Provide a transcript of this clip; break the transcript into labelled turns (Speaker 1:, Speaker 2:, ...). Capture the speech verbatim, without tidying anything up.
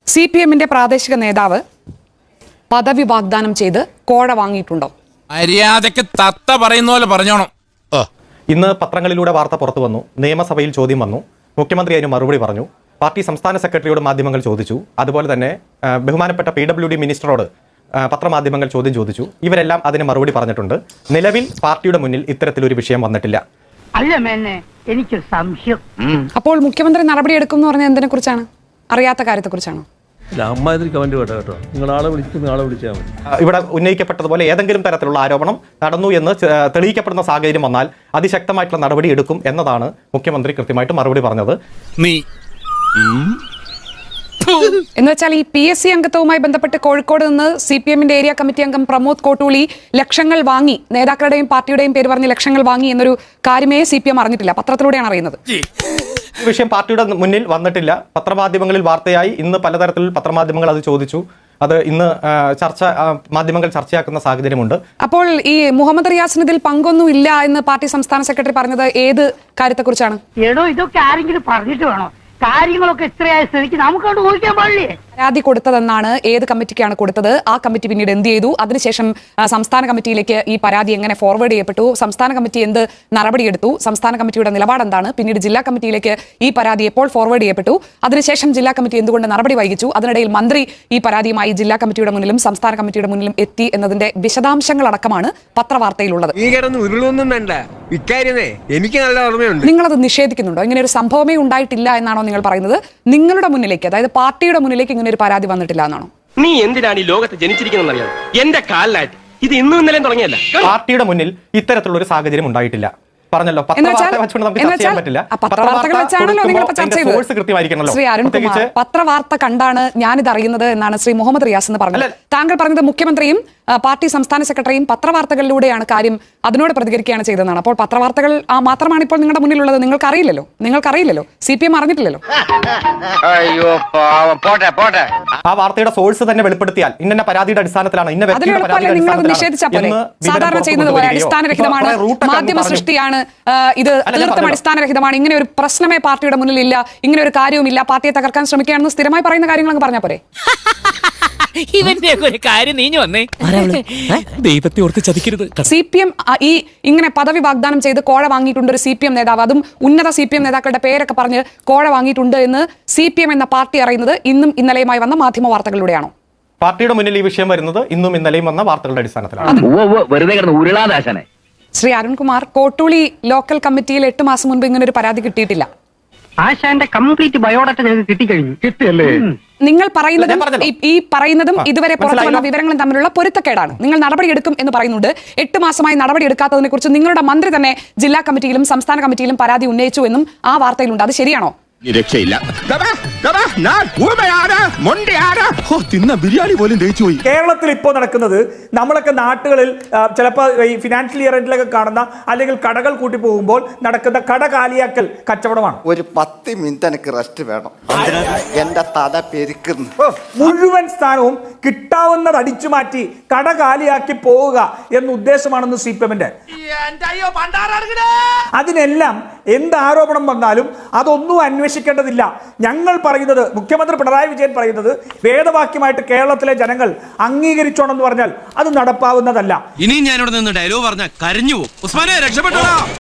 Speaker 1: C P എമ്മിന്റെ പ്രാദേശിക നേതാവ് പദവി വാഗ്ദാനം ചെയ്ത് കോഴ വാങ്ങിയിട്ടുണ്ടോ?
Speaker 2: മര്യാദക്ക് തത്ത പറയുന്ന പോലെ പറഞ്ഞോണം.
Speaker 3: ഇന്ന് പത്രങ്ങളിലൂടെ വാർത്ത പുറത്തു വന്നു. നിയമസഭയിൽ ചോദ്യം വന്നു. മുഖ്യമന്ത്രി അതിന് മറുപടി പറഞ്ഞു. പാർട്ടി സംസ്ഥാന സെക്രട്ടറിയോട് മാധ്യമങ്ങൾ ചോദിച്ചു. അതുപോലെ തന്നെ ബഹുമാനപ്പെട്ട പി ഡബ്ല്യു ഡി മിനിസ്റ്ററോട് പത്രമാധ്യമങ്ങൾ ചോദ്യം ചോദിച്ചു. ഇവരെല്ലാം അതിന് മറുപടി പറഞ്ഞിട്ടുണ്ട്. നിലവിൽ പാർട്ടിയുടെ മുന്നിൽ ഇത്തരത്തിലൊരു വിഷയം വന്നിട്ടില്ല.
Speaker 4: എനിക്ക് സംശയം.
Speaker 1: അപ്പോൾ മുഖ്യമന്ത്രി നടപടിയെടുക്കും എന്ന് പറഞ്ഞാൽ എന്തിനെ കുറിച്ചാണ്? അറിയാത്ത കാര്യത്തെ കുറിച്ചാണോ?
Speaker 3: ഇവിടെ ഉന്നയിക്കപ്പെട്ടതുപോലെ ഏതെങ്കിലും തരത്തിലുള്ള ആരോപണം നടന്നു എന്ന് തെളിയിക്കപ്പെടുന്ന സാഹചര്യം വന്നാൽ അതിശക്തമായിട്ടുള്ള നടപടി എടുക്കും എന്നതാണ് മുഖ്യമന്ത്രി കൃത്യമായിട്ട് മറുപടി പറഞ്ഞത്.
Speaker 2: നീ
Speaker 1: എന്ന് വെച്ചാൽ ഈ പി എസ് സി അംഗത്വവുമായി ബന്ധപ്പെട്ട് കോഴിക്കോട് നിന്ന് സി പി എമ്മിന്റെ ഏരിയ കമ്മിറ്റി അംഗം പ്രമോദ് കോട്ടൂളി ലക്ഷങ്ങൾ വാങ്ങി, നേതാക്കളുടെയും പാർട്ടിയുടെയും പേര് പറഞ്ഞ് ലക്ഷങ്ങൾ വാങ്ങി എന്നൊരു കാര്യമേ സി പി എം അറിഞ്ഞിട്ടില്ല. പത്രത്തിലൂടെയാണ് അറിയുന്നത്.
Speaker 3: ഈ വിഷയം പാർട്ടിയുടെ മുന്നിൽ വന്നിട്ടില്ല. പത്രമാധ്യമങ്ങളിൽ വാർത്തയായി. ഇന്ന് പലതരത്തിൽ പത്രമാധ്യമങ്ങൾ അത് ചോദിച്ചു. അത് ഇന്ന് ചർച്ച മാധ്യമങ്ങൾ ചർച്ചയാക്കുന്ന സാഹചര്യമുണ്ട്.
Speaker 1: അപ്പോൾ ഈ മുഹമ്മദ് റിയാസിന് ഇതിൽ പങ്കൊന്നും ഇല്ല എന്ന് പാർട്ടി സംസ്ഥാന സെക്രട്ടറി പറഞ്ഞത് ഏത് കാര്യത്തെക്കുറിച്ചാണ്?
Speaker 4: എടോ, ഇതൊക്കെ ആരെങ്കിലും പറഞ്ഞിട്ട് വേണോ? കാര്യങ്ങളൊക്കെ ഇത്രയായ സ്ഥിതിക്ക് നമുക്കോട്ട് ഊഹിക്കാൻ പാടില്ലേ?
Speaker 1: പരാതി കൊടുത്തതെന്നാണ്. ഏത് കമ്മിറ്റിക്കാണ് കൊടുത്തത്? ആ കമ്മിറ്റി പിന്നീട് എന്ത് ചെയ്തു? അതിനുശേഷം സംസ്ഥാന കമ്മിറ്റിയിലേക്ക് ഈ പരാതി എങ്ങനെ ഫോർവേഡ് ചെയ്യപ്പെട്ടു? സംസ്ഥാന കമ്മിറ്റി എന്ത് നടപടിയെടുത്തു? സംസ്ഥാന കമ്മിറ്റിയുടെ നിലപാട് എന്താണ്? പിന്നീട് ജില്ലാ കമ്മിറ്റിയിലേക്ക് ഈ പരാതി എപ്പോൾ ഫോർവേഡ് ചെയ്യപ്പെട്ടു? അതിനുശേഷം ജില്ലാ കമ്മിറ്റി എന്തുകൊണ്ട് നടപടി വൈകിച്ചു? അതിനിടയിൽ മന്ത്രി ഈ പരാതിയുമായി ജില്ലാ കമ്മിറ്റിയുടെ മുന്നിലും സംസ്ഥാന കമ്മിറ്റിയുടെ മുന്നിലും എത്തി എന്നതിന്റെ വിശദാംശങ്ങളടക്കമാണ് പത്രവാർത്തയിലുള്ളത്. നിങ്ങളത് നിഷേധിക്കുന്നുണ്ടോ? ഇങ്ങനെ ഒരു സംഭവമേ ഉണ്ടായിട്ടില്ല എന്നാണോ നിങ്ങൾ പറയുന്നത്? നിങ്ങളുടെ മുന്നിലേക്ക്, അതായത് പാർട്ടിയുടെ മുന്നിലേക്ക് ഇങ്ങനെ ഒരു പരാതി വന്നിട്ടില്ല എന്നാണോ?
Speaker 5: നീ എന്തിനാണ് ഈ ലോകത്ത് ജനിച്ചിരിക്കുന്നറിയാം? എന്റെ കാലിലായിട്ട് ഇത് ഇന്നും ഇന്നലെയും തുടങ്ങിയല്ല.
Speaker 3: പാർട്ടിയുടെ മുന്നിൽ ഇത്തരത്തിലുള്ള ഒരു സാഹചര്യം ഉണ്ടായിട്ടില്ല. പറഞ്ഞല്ലോ, പത്രവാർത്തകൾ
Speaker 1: പത്രവാർത്ത കണ്ടാണ് ഞാനിത് അറിയുന്നത് എന്നാണ് ശ്രീ മുഹമ്മദ് റിയാസ് എന്ന് പറഞ്ഞത്. താങ്കൾ പറഞ്ഞത് മുഖ്യമന്ത്രിയും പാർട്ടി സംസ്ഥാന സെക്രട്ടറിയും പത്രവാർത്തകളിലൂടെയാണ് കാര്യം അതിനോട് പ്രതികരിക്കുകയാണ് ചെയ്തതെന്നാണ്. അപ്പോൾ പത്രവാർത്തകൾ ആ മാത്രമാണ് ഇപ്പോൾ നിങ്ങളുടെ മുന്നിലുള്ളത്. നിങ്ങൾക്ക് അറിയില്ലല്ലോ, നിങ്ങൾക്ക് അറിയില്ലല്ലോ, സി പി എം അറിഞ്ഞിട്ടില്ലല്ലോ.
Speaker 3: ആ വാർത്തയുടെ സോഴ്സ് തന്നെ വെളിപ്പെടുത്തിയാൽ ഇന്ന പരാതിയുടെ അടിസ്ഥാനത്തിലാണ് ഇന്ന
Speaker 1: സാധാരണ ചെയ്യുന്നത് പോലെ അടിസ്ഥാനരഹിതമാണ്, മാധ്യമ സൃഷ്ടിയാണ്, ഇത് തീർത്തും അടിസ്ഥാനരഹിതമാണ്, ഇങ്ങനെ ഒരു പ്രശ്നമേ പാർട്ടിയുടെ മുന്നിൽ ഇല്ല, ഇങ്ങനെ ഒരു കാര്യവുമില്ല, പാർട്ടിയെ തകർക്കാൻ ശ്രമിക്കുകയാണെന്ന് സ്ഥിരമായി പറയുന്ന കാര്യങ്ങൾ അങ്ങ് പറഞ്ഞാൽ പോരെ?
Speaker 6: ഇവന്റെ ഒരു കാര്യം നീഞ്ഞു വന്നേ. ദൈവത്തെ ഓർത്ത് ചതിക്കരുത്.
Speaker 1: സി പി എം ഈ ഇങ്ങനെ പദവി വാഗ്ദാനം ചെയ്ത് കോഴ വാങ്ങിയിട്ടുണ്ട് ഒരു സി പി എം നേതാവ്, അതും ഉന്നത സി പി എം നേതാക്കളുടെ പേരൊക്കെ പറഞ്ഞ് കോഴ വാങ്ങിയിട്ടുണ്ട് എന്ന് സി പി എം എന്ന പാർട്ടി അറിയുന്നത് ഇന്നും ഇന്നലെയുമായി വന്ന മാധ്യമ വാർത്തകളിലൂടെയാണോ?
Speaker 3: പാർട്ടിയുടെ മുന്നിൽ ഈ വിഷയം വരുന്നത് ഇന്നും ഇന്നലെയും വന്ന വാർത്തകളുടെ അടിസ്ഥാനത്തിലാണ്.
Speaker 1: ശ്രീ അരുൺകുമാർ, കോട്ടൂളി ലോക്കൽ കമ്മിറ്റിയിൽ എട്ട് മാസം മുൻപ് ഇങ്ങനെ ഒരു പരാതി കിട്ടിയിട്ടില്ല.
Speaker 4: ആശാന്റെ കംപ്ലീറ്റ് ബയോഡാറ്റ ഞങ്ങൾക്ക് കിട്ടിക്കഴിഞ്ഞു. കിട്ടിയല്ലേ?
Speaker 1: നിങ്ങൾ പറയുന്നതും ഈ പറയുന്നതും ഇതുവരെ പുറത്തു വന്ന വിവരങ്ങളും തമ്മിലുള്ള പൊരുത്തക്കേടാണ്. നിങ്ങൾ നടപടിയെടുക്കും എന്ന് പറയുന്നുണ്ട്. എട്ട് മാസമായി നടപടി എടുക്കാത്തതിനെ കുറിച്ച് നിങ്ങളുടെ മന്ത്രി തന്നെ ജില്ലാ കമ്മിറ്റിയിലും സംസ്ഥാന കമ്മിറ്റിയിലും പരാതി ഉന്നയിച്ചു എന്നും ആ വാർത്തയിലുണ്ട്. അത് ശരിയാണോ?
Speaker 7: രക്ഷയില്ല. കേരളത്തിൽ ഇപ്പോൾ നടക്കുന്നത്, നമ്മളൊക്കെ നാട്ടുകളിൽ ചിലപ്പോൾ ഈ ഫിനാൻഷ്യൽ ഇയർ എൻഡിലൊക്കെ കാണുന്ന അല്ലെങ്കിൽ കടകൾ കൂട്ടി പോകുമ്പോൾ നടക്കുന്ന കട കാലിയാക്കൽ കച്ചവടമാണ്.
Speaker 8: ഒരു പത്ത് മിനിറ്റ് എനിക്ക് റെസ്റ്റ് വേണം. എന്റെ തല പെരുക്കുന്നു.
Speaker 7: മുഴുവൻ സ്ഥാനവും കിട്ടാവുന്നത് അടിച്ചു മാറ്റി കട കാലിയാക്കി പോവുക എന്ന ഉദ്ദേശമാണെന്ന് സി പി എമ്മിന്റെ. അതിനെല്ലാം എന്ത് ആരോപണം വന്നാലും അതൊന്നും അന്വേഷിക്കേണ്ടതില്ല. ഞങ്ങൾ പറയുന്നത്, മുഖ്യമന്ത്രി പിണറായി വിജയൻ പറയുന്നത് വേദവാക്യമായിട്ട് കേരളത്തിലെ ജനങ്ങൾ അംഗീകരിച്ചോണെന്ന് പറഞ്ഞാൽ അത് നടപ്പാവുന്നതല്ല.
Speaker 2: ഇനി ഞാനിവിടെ നിന്ന് ഡയലോഗ് പറഞ്ഞാൽ കരഞ്ഞു പോകും. ഉസ്മാനെ രക്ഷപ്പെട്ടോ.